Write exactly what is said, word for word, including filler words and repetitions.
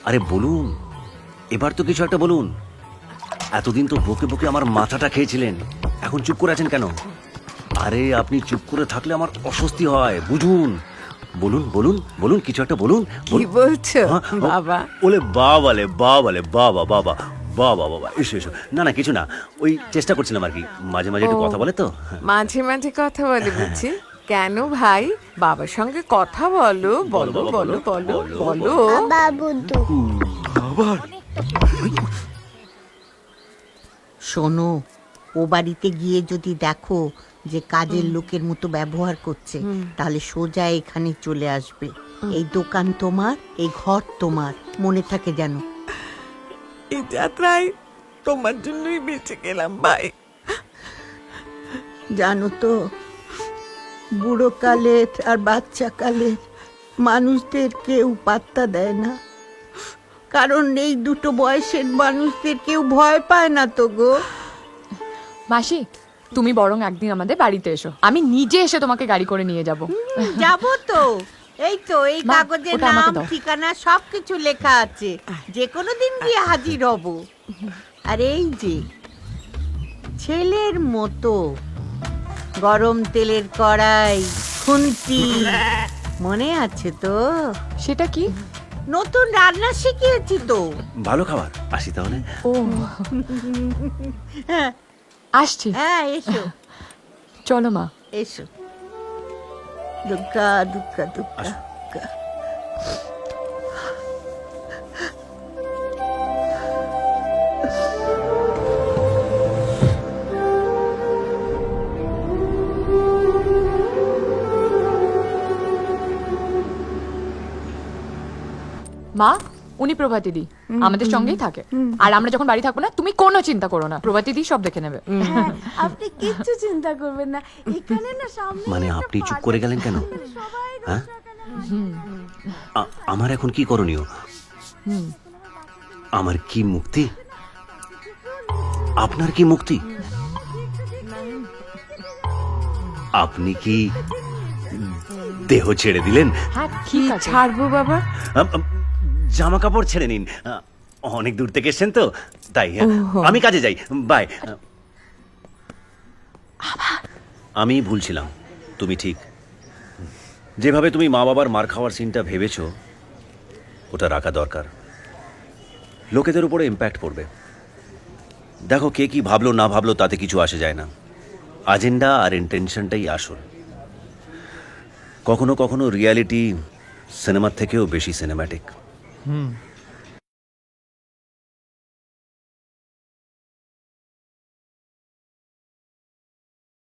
আরে বলুন, এবার তো কিছু একটা বলুন। এতদিন তো বকে বকে আমার মাথাটা খেয়েছিলেন, এখন চুপ করে আছেন কেন? আরে আপনি চুপ করে থাকলে আমার অস্বস্তি হয়, বুঝুন। বলুন বলুন বলুন, কিছু একটা বলুন। কি বলছো হ্যাঁ, ও- বাবা? ওলে বাবালে বাবালে বাবা বাবা বাবা বাবা, এসো এসো। না না কিছু না, ওই চেষ্টা করছিলাম আর কি, মাঝে মাঝে একটু ও, কথা বলে তো। মাঝে মাঝে কথা বলে বুঝছি। কেন ভাই, বাবার সঙ্গে কথা বলো, বলো বাবা, বলো বলো, বলো বলো, বলো। বাবুদু শোনো, ও বাড়িতে গিয়ে যদি দেখো যে কাজের লোকের মতো ব্যবহার করছে, তাহলে সোজা এখানে চলে আসবে। এই দোকান তোমার, এই ঘর তোমার, মনে থাকে যেন। এই যাত্রায় তোমার জন্যই বেঁচে গেলাম ভাই। জানো তো, বুড়ো কালের আর বাচ্চা কালের মানুষদের কেউ পাত্তা দেয় না, কারণ এই দুটো বয়সের মানুষদের কেউ ভয় পায় না তো গো। মাসি, তুমি বরং একদিন আমাদের বাড়িতে এসো, আমি নিজে এসে তোমাকে গাড়ি করে নিয়ে যাব। যাবো তো, এই তো এই মা, কাগজে ওটা আমাকে নাম দাও। ঠিকানা সবকিছু লেখা আছে, যে কোনো দিন গিয়ে হাজির হব। আর এই যে ছেলের মতো গরম তেলের কড়াই, খুন্তি, মনে আছে তো? সেটা কি? নতুন রান্না শিখিয়েছি তো। ভালো খাবার, আসি তাহলে। ও, হ্যাঁ আসছি। হ্যাঁ, এসো চলো মা। এসো। দুর্গা দুর্গা দুর্গা আসো। দুর্গা। মা, উনি প্রভাতি দি আমাদের সঙ্গেই থাকে, আর আমরা যখন বাড়ি থাকবো না, তুমি কোনো চিন্তা করো না, প্রভাতি দি সব দেখে নেবে। আপনি কিচ্ছু চিন্তা করবেন না, এখানে না সামনে মানে একটা আপনি চুপ পার্ক করে আছে, গেলেন কেন? সবাই হ্যাঁ? দর্শক এখানে- আ- আমার এখন কি করণীয়? আমার কি মুক্তি? আপনার কি মুক্তি? আপনি কি দেহ ছেড়ে দিলেন? হ্যাঁ কি ঠিক আছে। ছাড়বো বাবা? জামা কাপড় ছেড়ে নিন, আ, অনেক দূর থেকে এসছেন তো তাই। ওহো। আমি কাজে যাই, বাই। আমি ভুলছিলাম, তুমি ঠিক। যেভাবে তুমি মা বাবার মার খাওয়ার সিনটা ভেবেছো, ওটা রাখা দরকার। লোকেদের উপরে ইম্প্যাক্ট পড়বে। দেখো কে কি ভাবলো না ভাবলো তাতে কিছু আসে যায় না, আজেন্ডা আর ইন্টেনশনটাই আসল। কখনো কখনো রিয়ালিটি সিনেমার থেকেও বেশি সিনেম্যাটিক।